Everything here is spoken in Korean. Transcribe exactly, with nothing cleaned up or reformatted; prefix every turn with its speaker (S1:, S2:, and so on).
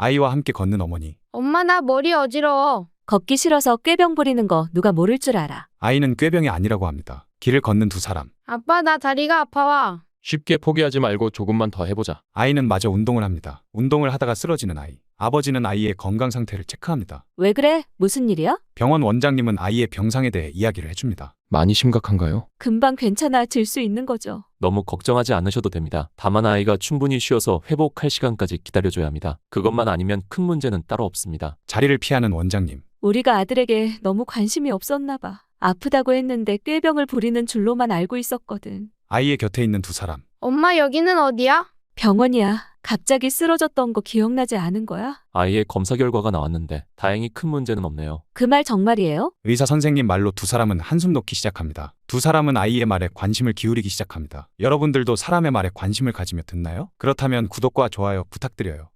S1: 아이와 함께 걷는 어머니.
S2: 엄마 나 머리 어지러워.
S3: 걷기 싫어서 꾀병 부리는 거 누가 모를 줄 알아.
S1: 아이는 꾀병이 아니라고 합니다. 길을 걷는 두 사람.
S2: 아빠 나 다리가 아파와.
S4: 쉽게 포기하지 말고 조금만 더 해보자.
S1: 아이는 마저 운동을 합니다. 운동을 하다가 쓰러지는 아이. 아버지는 아이의 건강 상태를 체크합니다.
S3: 왜 그래? 무슨 일이야?
S1: 병원 원장님은 아이의 병상에 대해 이야기를 해줍니다.
S4: 많이 심각한가요?
S3: 금방 괜찮아질 수 있는 거죠.
S5: 너무 걱정하지 않으셔도 됩니다. 다만 아이가 충분히 쉬어서 회복할 시간까지 기다려줘야 합니다. 그것만 아니면 큰 문제는 따로 없습니다.
S1: 자리를 피하는 원장님.
S3: 우리가 아들에게 너무 관심이 없었나 봐. 아프다고 했는데 꾀병을 부리는 줄로만 알고 있었거든.
S1: 아이의 곁에 있는 두 사람.
S2: 엄마 여기는 어디야?
S3: 병원이야. 갑자기 쓰러졌던 거 기억나지 않은 거야?
S5: 아이의 검사 결과가 나왔는데 다행히 큰 문제는 없네요.
S3: 그 말 정말이에요?
S1: 의사 선생님 말로 두 사람은 한숨 놓기 시작합니다. 두 사람은 아이의 말에 관심을 기울이기 시작합니다. 여러분들도 사람의 말에 관심을 가지며 듣나요? 그렇다면 구독과 좋아요 부탁드려요.